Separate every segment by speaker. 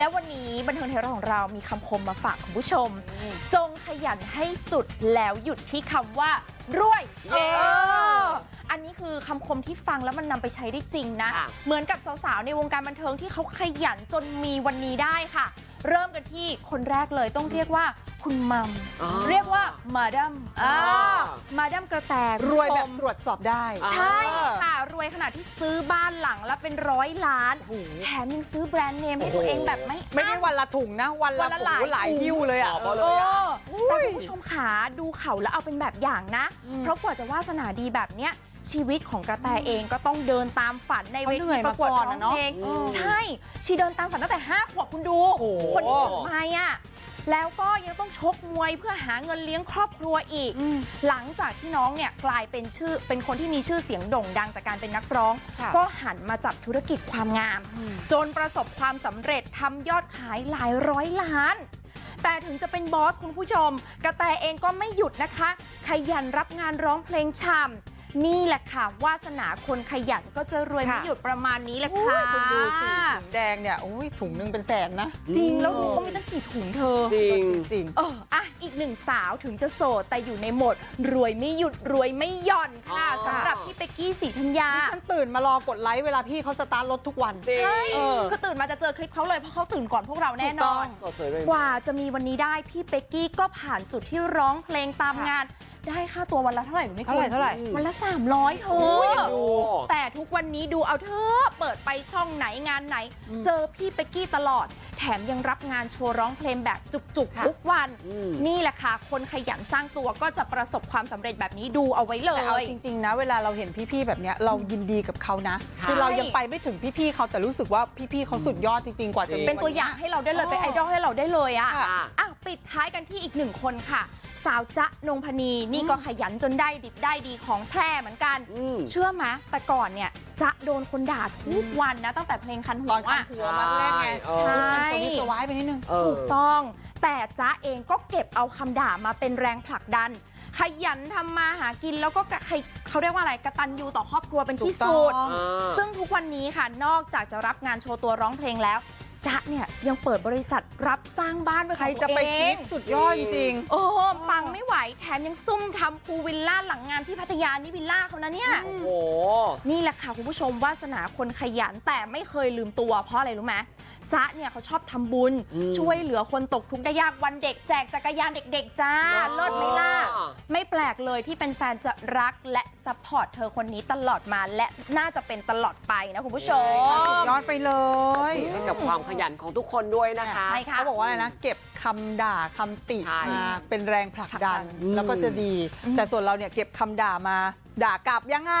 Speaker 1: และวันนี้บันเทิงไทยรัฐของเรามีคำคมมาฝากคุณผู้ชมจงขยันให้สุดแล้วหยุดที่คำว่ารวยอันนี้คือคำคมที่ฟังแล้วมันนำไปใช้ได้จริงนะเหมือนกับสาวๆในวงการบันเทิงที่เขาขยันจนมีวันนี้ได้ค่ะเริ่มกันที่คนแรกเลยต้องเรียกว่าคุณมัมเรียกว่ามาดัมมาดัมกระแต
Speaker 2: รวยแบบตรวจสอบได้
Speaker 1: ใช่ค่ะรวยขนาดที่ซื้อบ้านหลังละเป็น100 ล้านแถมยังซื้อแบรนด์เนมให้ตัวเองแบบไม่
Speaker 2: ได้วันละถุงนะวันละหลายหิ้วเลยอ่ะ
Speaker 1: แต่คุณผู้ชมขาดูเขาแล้วเอาเป็นแบบอย่างนะเพราะกว่าจะวาสนาดีแบบเนี้ยชีวิตของกระแตเองก็ต้องเดินตามฝันในเวทีประกวดร้องเพลงใช่ชีเดินตามฝันตั้งแต่5 ขวบคุณดูคนที่ถึงมาอ่ะแล้วก็ยังต้องชกมวยเพื่อหาเงินเลี้ยงครอบครัวอีกหลังจากที่น้องเนี่ยกลายเป็นคนที่มีชื่อเสียงโด่งดังจากการเป็นนักร้องก็หันมาจับธุรกิจความงามจนประสบความสำเร็จทำยอดขายหลาย100 ล้านแต่ถึงจะเป็นบอสคุณผู้ชมกระแตเองก็ไม่หยุดนะคะขยันรับงานร้องเพลงช่ำนี่แหละค่ะวาสนาคนขยันก็จะรวยไม่หยุดประมาณนี้แหละค่ะ
Speaker 2: คุณดูสิถุงแดงเนี่ยถุงนึงเป็นแสนนะ
Speaker 1: จริงแล้วดูเขามีตั้งกี่ถุงเธอ
Speaker 2: จริง
Speaker 1: อีกหนึ่งสาวถึงจะโสดแต่อยู่ในโหมดรวยไม่หยุดรวยไม่หย่อนค่ะสำหรับพี่เป๊กกี้ศรีธัญญา
Speaker 2: ฉันตื่นมารอกดไลค์เวลาพี่เขาสตาร์ทรถทุกวัน
Speaker 1: ใช่คือตื่นมาจะเจอคลิปเขาเลยเพราะเขาตื่นก่อนพวกเราแน่นอนกว่าจะมีวันนี้ได้พี่เป๊กกี้ก็ผ่านจุดที่ร้องเพลงตามงานได้ค่าตัววันละเท่าไหร่หนูไม่
Speaker 2: เท่าไหร่
Speaker 1: วันละ300เธอแต่ทุกวันนี้ดูเอาเธอเปิดไปช่องไหนงานไหนเจอพี่เป๊กกี้ตลอดแถมยังรับงานโชว์ร้องเพลงแบบจุกๆทุกวันนี่แหละค่ะคนขยันสร้างตัวก็จะประสบความสำเร็จแบบนี้ดูเอาไว้เลย
Speaker 2: แต่เอาจริงๆนะเวลาเราเห็นพี่ๆแบบเนี้ยเรายินดีกับเขานะคือเรายังไปไม่ถึงพี่ๆเขาแต่รู้สึกว่าพี่ๆเขาสุดยอดจริงๆกว่าจะ
Speaker 1: เป็นตัวอย่างให้เราได้เลยเป็นไอดอลให้เราได้เลยอ่ะปิดท้ายกันที่อีก1 คนค่ะสาวจ๊ะนงพนีนี่ก็ขยันจนได้ดิบได้ดีของแท้เหมือนกันเชื่อไหมแต่ก่อนเนี่ยจ๊ะโดนคนด่าทุกวันนะตั้งแต่เพลงคันหัว
Speaker 2: มาแรกไง
Speaker 1: ใช่
Speaker 2: สวายไปนิดนึง
Speaker 1: ถูกต้องแต่จ๊ะเองก็เก็บเอาคำด่ามาเป็นแรงผลักดันขยันทำมาหากินแล้วก็เขาเรียกว่าอะไรกตัญญูต่อครอบครัวเป็นที่สุดซึ่งทุกวันนี้ค่ะนอกจากจะรับงานโชว์ตัวร้องเพลงแล้วจ๊ะเนี่ยยังเปิดบริษัทรับสร้างบ้านเป็นของตัวเองใครจะไปคิด
Speaker 2: สุดยอดจริง
Speaker 1: ปังไม่ไหวแถมยังซุ่มทำพูลวิลล่าหลังงานที่พัทยานี่วิลล่าเขานะเนี่ยนี่แหละค่ะคุณผู้ชมวาสนาคนขยันแต่ไม่เคยลืมตัวเพราะอะไรรู้ไหมจ๊ะเนี่ยเขาชอบทำบุญช่วยเหลือคนตกทุกข์ได้ยากวันเด็กแจกจักรยานเด็กๆจ้าเลิศไหมล่ะไม่แปลกเลยที่เป็นแฟนจะรักและซัพพอร์ตเธอคนนี้ตลอดมาและน่าจะเป็นตลอดไปนะคุณผู้ชม
Speaker 2: สุดยอดไปเลย
Speaker 3: ให้กับความขยันของทุกคนด้วยนะคะ
Speaker 2: เขาบอกว่าอะไรนะเก็บคำด่าคำติมาเป็นแรงผลักดันแล้วก็จะดีแต่ส่วนเราเนี่ยเก็บคำด่ามาด่ากลับยังไง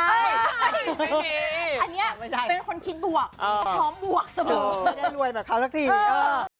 Speaker 1: อันเนี้ยเป็นคนคิดบวกพร้อมบวกเสมอ
Speaker 2: ไม่ได้รวยแบบเขาสักที